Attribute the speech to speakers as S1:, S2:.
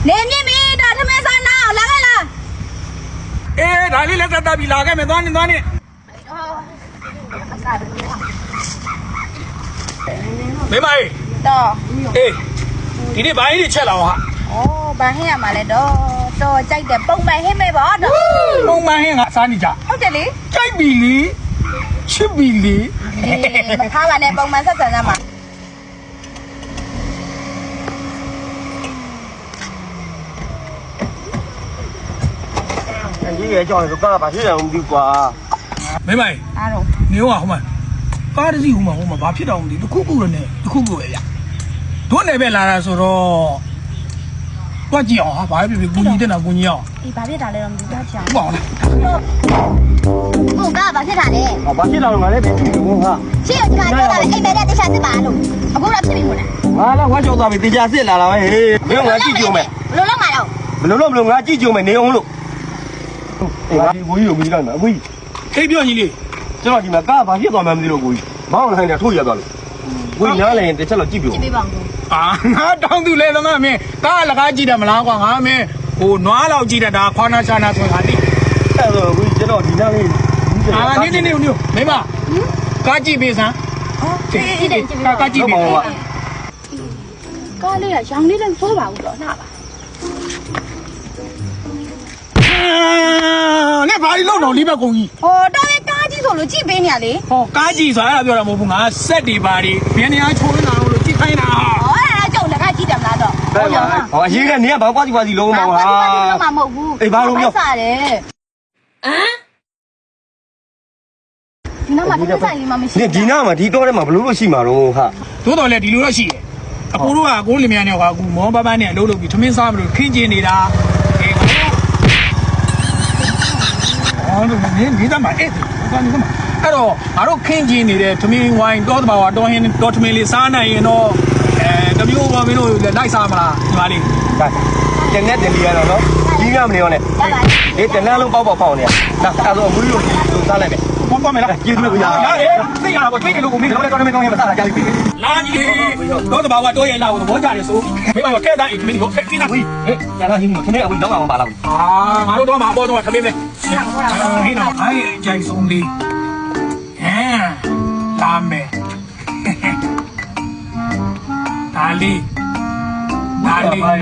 S1: နေမြင့်ပြီဒါသမင်းစားနာလာခဲ့လား
S2: အေးဒါလေးလက်သက်တပ်ပြီးလာခဲ့မယ်သွားနေသွားနေမေမကြီး
S1: တော့
S2: အေးဒီနေ့ဘာကြီးချက်လာအောင်ဟာ
S1: ဩဘာဟင်းရမှာလဲတော့ကြိုက်တယ်ပုံမှန်ဟင်းမေပေါ့တော့
S2: ပုံမှန်ဟင်းကစားနေကြ
S1: ဟုတ်တယ်လေ
S2: ကြိုက်ပြီလေချစ်ပြီလေ
S1: မထားပါနဲ့ပုံမှန်ဆက်ဆံရမှာ
S3: 你也叫你说干把这样的瓜，
S2: 没买。
S1: အားတော့
S2: နေဟောဟိုမှာကားတစ်စီးဟိုမှာဘာဖြစ်တော့မသိတခုခုလည်းနဲ့တခုခုပဲဗျတို့နယ်ပဲလာတာဆိုတော့တွက်ကြည့်အောင်ဟာဘာဖြစ်ဖြစ်ကိုကြီးတက်တာကိုကြီးအောင်
S1: အေးဘာဖြစ်တာလဲတော့မသိတော့ချင်
S2: ဟုတ်ပါလား
S1: ဟုတ်ကဘာဖြစ်တာလဲ
S3: 啊，把这样我来别听我哈，
S1: ရှင်းကပြောတာလေအိမ်မဲတဲ့တခြားစစ်ပါလို့အခုတော့ဖြစ်ပြီမို့လား
S3: 完了我叫他们在家sit来了喂，没有我记住没，
S1: ဘလို့လုံးမှာတော့
S3: 不弄我记住没，你用了，哎，我有没干嘛？喂，
S2: ခေပြောကြီးလေး
S3: 这老弟们干把这段没得了喂，忙了还得抽一段了，喂，伢嘞得吃了几票，
S1: ကြည့်ပေးပါဦး
S2: အာငါတောင်းသူလဲတော့ငါမင်းကားလကားကြည့်တယ်မလားကွာငါမင်းဟိုနွားလောက်ကြည့်တယ်ဒါခွာနာရှာနာဆိုတာတိ
S3: 但是喂这老弟伢嘞，
S2: အာနေမိမကားကြည့်ပေးစမ်း
S1: ကြည့်တယ်ကြည့်ပေးပါ
S2: ကားကြည့်ပေး
S1: ကားလေးကရောင်လေးလည်းစိုးပါဘူးတော့လှပါ
S2: နဲ့ဘာလို့တော့လေးဘက်ကုန်ကြီး
S1: ဟောတော့လေကားကြီးဆိုလို့ကြည့်ပေးနေရလေ
S2: ဟောကားကြည့်ဆိုတာအဲ့ဒါပြောတာမဟုတ်ဘူးငါဆက်တွေပါတွေဘယ်နေရာချိုးနေတာလို့ကြည့်ခိုင်းတာ
S1: ဟောအဲ့ဒါကြောင့်လည်းကားကြည့်တယ်မလားတော့
S3: 好，现在你也把瓜子弄嘛
S1: ဘာလို့
S3: 哈，
S1: မမဟုတ်ဘူး
S3: 哎，把弄掉，
S1: စားတယ်ဒီနောက်မှာတစ်ဆိုင်လေးမှမရှိ
S3: 你ဒီနာမှာဒီတော့ထဲမှာဘလို့လို့ရှိမှာတော့ဟာ
S2: သို့တော်လည်းဒီလိုတော့ရှိတယ်အကိုတို့ကကိုလင်မယားနဲ့ကအခုမောပပန်းနဲ့အလုပ်လုပ်ပြီးထမင်းစားမလို့ခင်းကျင်နေတာအေးအော်တို့နေသားမှာအဲ့ဒါနေသားမှာအဲ့တော့ငါတို့ခင်းကျင်နေတဲ့ထမင်းဝိုင်းတော့တဘာဝတော့ဟင်းတော့ထမင်းလေးစားနိုင်ရင်တော့တမျိုးပေါ်မင်းတို့လိုက်စားမလားဒီပါလေး
S3: ဒါတနေ့တလီရတော့နော်ကြီးရမနေရောနဲ့ဒီတနန်းလုံးပေါက်ပေါက်ဖောင်းနေရဒါအဲ့တော့အမွေးလို့စားလိုက်မယ်
S2: ဘောပေါ်မယ်လား
S3: ကျေးဇူးပဲဗျာ
S2: ရတယ်သိရတာပေါ့သိတယ်လို့ကိုမင်းတို့လည်းတော့မင်းကောင်းရမစားတာကြာပြီလာကြီးတော့တဘာဝတော့ရဲ့လာကိုသဘောကြတယ်ဆိုမိမကကဲတိုင်းမင်းတို့ခက်ကိနာကြီး
S3: ဟေးကျန်တော့ဟင်းခင်းအဝင်းတော့အောင်ပါလား
S2: အာငါတို့တော့မှာပေါ်တော့ထမင်းပဲဟင်းတော့အဲ့ကြိုင်ဆုံးလေးဟမ်လာမယ်ဒါလေး